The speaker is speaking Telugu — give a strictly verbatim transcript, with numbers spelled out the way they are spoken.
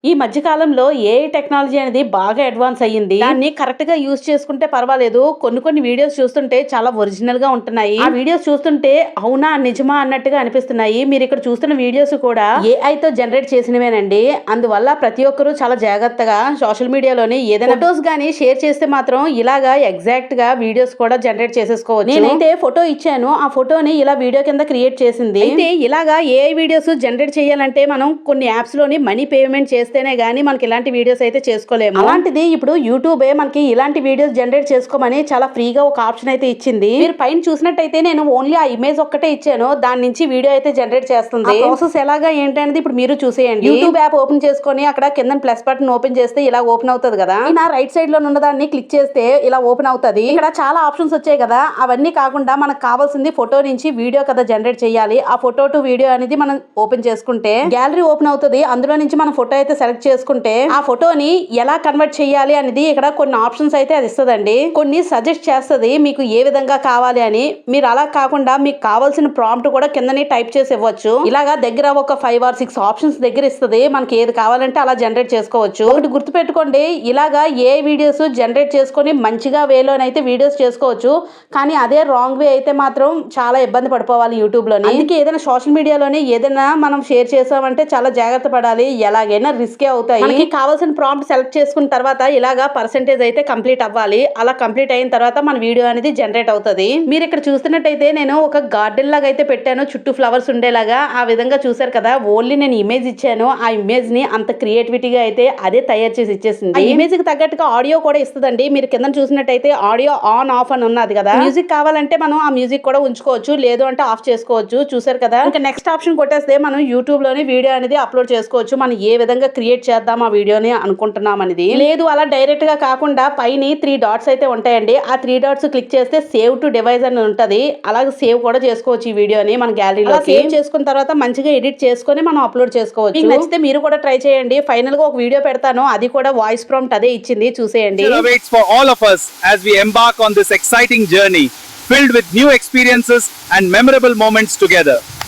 ఈ మధ్య కాలంలో ఏఐ టెక్నాలజీ అనేది బాగా అడ్వాన్స్ అయ్యింది. దాన్ని కరెక్ట్ గా యూజ్ చేసుకుంటే పర్వాలేదు. కొన్ని కొన్ని వీడియోస్ చూస్తుంటే చాలా ఒరిజినల్ గా ఉంటున్నాయి. ఆ వీడియోస్ చూస్తుంటే అవునా నిజమా అన్నట్టుగా అనిపిస్తున్నాయి. మీరు ఇక్కడ చూస్తున్న వీడియోస్ కూడా ఏఐ తో జనరేట్ చేసినవేనండి. అందువల్ల ప్రతి ఒక్కరూ చాలా జాగ్రత్తగా సోషల్ మీడియాలోని ఏదైనా ఫోటోస్ గానీ షేర్ చేస్తే మాత్రం ఇలాగా ఎగ్జాక్ట్ గా వీడియోస్ కూడా జనరేట్ చేసేసుకోవచ్చు. నేనైతే ఫోటో ఇచ్చాను, ఆ ఫోటోని ఇలా వీడియో కింద క్రియేట్ చేసింది. అయితే ఇలాగా ఏఐ వీడియోస్ జనరేట్ చేయాలంటే మనం కొన్ని యాప్స్ లోని మనీ పేమెంట్ చేస్తే గానీ మనకి ఇలాంటి వీడియోస్ అయితే చేసుకోలేము. అలాంటిది ఇప్పుడు యూట్యూబే మనకి ఇలాంటి వీడియోస్ జనరేట్ చేసుకోమని చాలా ఫ్రీగా ఒక ఆప్షన్ అయితే ఇచ్చింది. మీరు పైన చూసినట్టయితే నేను ఓన్లీ ఆ ఇమేజ్ ఒక్కటే ఇచ్చాను, దాని నుంచి వీడియో అయితే జనరేట్ చేస్తుంది. ప్రాసెస్ ఎలాగా ఏంటనేది ఇప్పుడు మీరు చూసేయండి. యూట్యూబ్ యాప్ ఓపెన్ చేసుకొని అక్కడ కింద ప్లస్ బటన్ ఓపెన్ చేస్తే ఇలా ఓపెన్ అవుతుంది కదా. నా రైట్ సైడ్ లో ఉన్న దాన్ని క్లిక్ చేస్తే ఇలా ఓపెన్ అవుతుంది. ఇక్కడ చాలా ఆప్షన్స్ వచ్చాయి కదా, అవన్నీ కాకుండా మనకు కావాల్సింది ఫోటో నుంచి వీడియో కదా జనరేట్ చేయాలి. ఆ ఫోటో టు వీడియో అనేది మనం ఓపెన్ చేసుకుంటే గ్యాలరీ ఓపెన్ అవుతుంది. అందులో నుంచి మనం ఫోటో అయితే సెలెక్ట్ చేసుకుంటే ఆ ఫోటోని ఎలా కన్వర్ట్ చేయాలి అనేది ఇక్కడ కొన్ని ఆప్షన్స్ అయితే అది ఇస్తుందండి. కొన్ని సజెస్ట్ చేస్తుంది మీకు ఏ విధంగా కావాలి అని. మీరు అలా కాకుండా మీకు కావాల్సిన ప్రాంప్ట్ కూడా కిందనే టైప్ చేసి ఇవ్వచ్చు. ఇలాగా దగ్గర ఒక ఫైవ్ ఆర్ సిక్స్ ఆప్షన్స్ దగ్గర ఇస్తుంది. మనకి ఏది కావాలంటే అలా జనరేట్ చేసుకోవచ్చు. ఒకటి గుర్తు పెట్టుకోండి, ఇలాగా ఏ వీడియోస్ జనరేట్ చేసుకొని మంచిగా వేలోనైతే వీడియోస్ చేసుకోవచ్చు. కానీ అదే రాంగ్ వే అయితే మాత్రం చాలా ఇబ్బంది పడిపోవాలి యూట్యూబ్ లోని. అందుకే ఏదైనా సోషల్ మీడియాలోనే ఏదైనా మనం షేర్ చేసామంటే చాలా జాగ్రత్త పడాలి. ఎలాగైనా రిస్కే అవుతాయి. మనకి కావాల్సిన ప్రాంప్ట్ సెలెక్ట్ చేసుకున్న తర్వాత ఇలాగా పర్సెంటేజ్ అయితే కంప్లీట్ అవ్వాలి. అలా కంప్లీట్ అయిన తర్వాత మన వీడియో అనేది జనరేట్ అవుతుంది. మీరు ఇక్కడ చూస్తున్నట్టయితే నేను ఒక గార్డెన్ లాగా అయితే పెట్టాను, చుట్టూ ఫ్లవర్స్ ఉండేలాగా. ఆ విధంగా చూసారు కదా, ఓన్లీ నేను ఇమేజ్ ఇచ్చాను. ఆ ఇమేజ్ ని అంత క్రియేటివిటీగా అయితే అదే తయారు చేసి ఇచ్చేసింది. ఆ ఇమేజ్ కి తగ్గట్టుగా ఆడియో కూడా ఇస్తుందండి. మీరు కింద చూసినట్టయితే ఆడియో ఆన్ ఆఫ్ అని ఉన్నది కదా. మ్యూజిక్ కావాలంటే మనం ఆ మ్యూజిక్ కూడా ఉంచుకోవచ్చు, లేదు అంటే ఆఫ్ చేసుకోవచ్చు. చూసారు కదా. ఇంకా నెక్స్ట్ ఆప్షన్ కొట్టేస్తే మనం యూట్యూబ్ లోని వీడియో అనేది అప్లోడ్ చేసుకోవచ్చు. మనం ఏ విధంగా క్రియేట్ చేద్దాం ఆ వీడియోని అనుకుంటున్నాం అనేది. లేదు అలా డైరెక్ట్ గా కాకుండా పైన త్రీ డాట్స్ అయితే ఉంటాయండి. ఆ త్రీ డాట్స్ క్లిక్ చేస్తే సేవ్ టు డివైస్ అని ఉంటది. అలాగే సేవ్ కూడా చేసుకోవచ్చు ఈ వీడియోని మన గ్యాలరీలో. సేవ్ చేసుకున్న తర్వాత మంచిగా ఎడిట్ చేసుకొని మనం అప్లోడ్ చేసుకోవచ్చు. నచ్చితే మీరు కూడా ట్రై చేయండి. ఫైనల్ గా ఒక వీడియో పెడతాను, అది కూడా వాయిస్ ప్రాంప్ట్ అదే ఇచ్చింది, చూసేయండి. For all of us as we embark on this exciting journey filled with new experiences and memorable moments together.